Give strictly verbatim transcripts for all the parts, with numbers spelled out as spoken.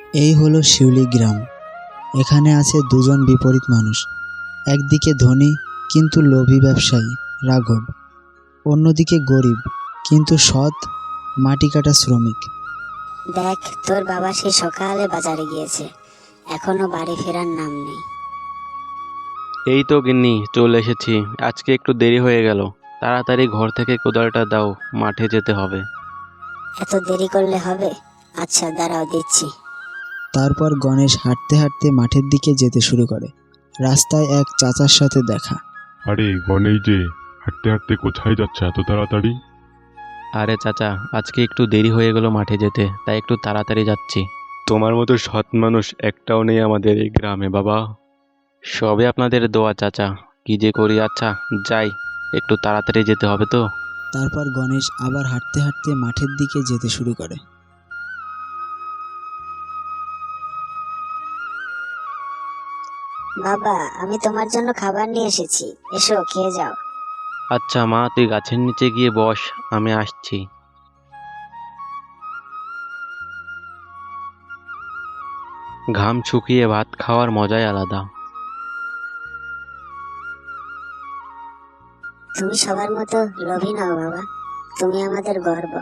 এই হলো শিউলি গ্রাম। এখানে আছে দুজন বিপরীত মানুষ। একদিকে ধনী কিন্তু লোভী ব্যবসায়ী রাঘব, অন্যদিকে গরিব কিন্তু সৎ মাটি কাটা শ্রমিক। দেখ, তোর বাবা সেই সকালে বাজারে গিয়েছে, এখনো বাড়ি ফেরার নাম নেই। এই তো গিন্নি চলে এসেছি। আজকে একটু দেরি হয়ে গেল। তাড়াতাড়ি ঘর থেকে কোদালটা দাও, মাঠে যেতে হবে। এত দেরি করলে হবে? আচ্ছা দাঁড়াও, দিচ্ছি। তারপর গণেশ হাঁটতে হাঁটতে মাঠের দিকে যেতে শুরু করে। রাস্তায় এক চাচার সাথে দেখা। আরে গণেশ যে, হাঁটতে হাঁটতে কোথায় যাচ্ছে এত তাড়াতাড়ি? আরে চাচা, আজকে একটু দেরি হয়ে গেল মাঠে যেতে, তাই একটু তাড়াতাড়ি যাচ্ছি। তোমার মতো সৎ মানুষ একটাও নেই আমাদের এই গ্রামে বাবা। সবে আপনাদের দোয়া চাচা। কি যে করি, আচ্ছা যাই, একটু তাড়াতাড়ি যেতে হবে তো। তারপর গণেশ আবার হাঁটতে হাঁটতে মাঠের দিকে যেতে শুরু করে। বাবা, আমি তোমার জন্য খাবার নিয়ে এসেছি, এসো খেয়ে যাও। আচ্ছা মা, তুই গাছের নিচে গিয়ে বস, আমি আসছি। ঘাম শুকিয়ে ভাত খাওয়ার মজাই আলাদা। তুমি সবার মতো লোভী নাও বাবা, তুমি আমাদের গর্ব।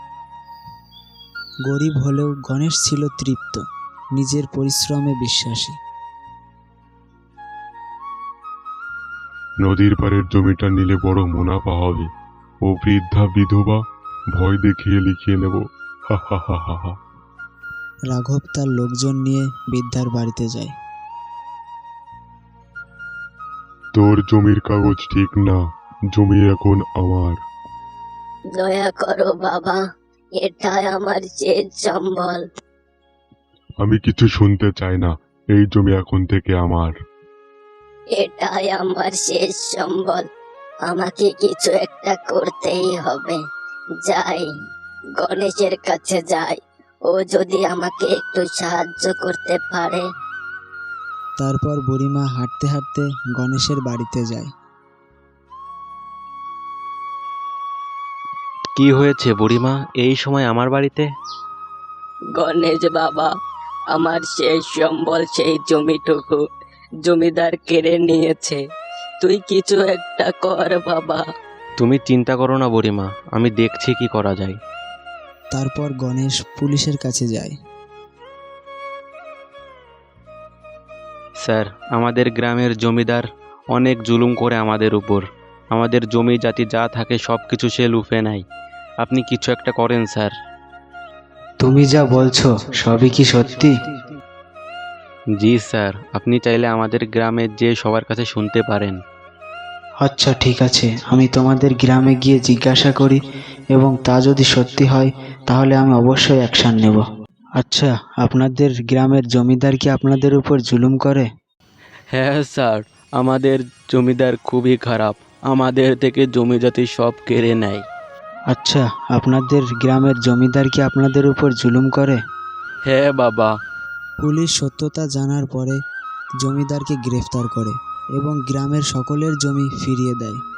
গরিব হলেও গণেশ ছিল তৃপ্ত, নিজের পরিশ্রমে বিশ্বাসী। নদীর পাড়ের জমিটা নিলে বড় মুনাফা হবে। ও বৃদ্ধা বিধবা ভয় দেখিয়ে লিখিয়ে নেব। হা হা হা হা হা। রাঘব তার লোকজন নিয়ে বৃদ্ধার বাড়িতে যায়। তোর জমির কাগজ ঠিক না, জমি এখন আমার। দয়া করো বাবা, এটাই আমার শেষ সম্বল। আমি কিছু শুনতে চাই না, এই জমি এখন থেকে আমার। এটাই আমার শেষ সম্বল, আমাকে কিছু একটা করতেই হবে। যাই, গণেশের কাছে যাই, ও যদি আমাকে একটু সাহায্য করতে পারে। তারপর বুড়িমা হাঁটতে হাঁটতে গণেশের বাড়িতে যায়। কি হয়েছে বুড়িমা, এই সময় আমার বাড়িতে? গণেশ বাবা, আমার সেই সম্বল, সেই জমিটুকু জমিদার কেড়ে নিয়েছে। তুই কিছু একটা কর বাবা। তুমি চিন্তা করো না বুড়িমা, আমি দেখছি কি করা যায়। তারপর গণেশ পুলিশের কাছে যায়। স্যার, আমাদের গ্রামের জমিদার অনেক জুলুম করে আমাদের উপর। আমাদের জমি জাতি যা থাকে সব কিছু সে লুফে নেয়। আপনি কিছু একটা করেন স্যার। তুমি যা বলছো সবই কি সত্যি? জি স্যার, আপনি চাইলে আমাদের গ্রামে যে সবার কাছে শুনতে পারেন। আচ্ছা ঠিক আছে, আমি তোমাদের গ্রামে গিয়ে জিজ্ঞাসা করি এবং তা যদি সত্যি হয় তাহলে আমি অবশ্যই অ্যাকশন নেব। আচ্ছা, আপনাদের গ্রামের জমিদার কি আপনাদের উপর জুলুম করে? হ্যাঁ স্যার, আমাদের জমিদার খুবই খারাপ, আমাদের থেকে জমি জাতি সব কেড়ে নেয়। আচ্ছা, আপনাদের গ্রামের জমিদার কি আপনাদের উপর জুলুম করে? হ্যাঁ বাবা। পুলিশ সত্যতা জানার পরে জমিদারকে গ্রেফতার করে এবং গ্রামের সকলের জমি ফিরিয়ে দেয়।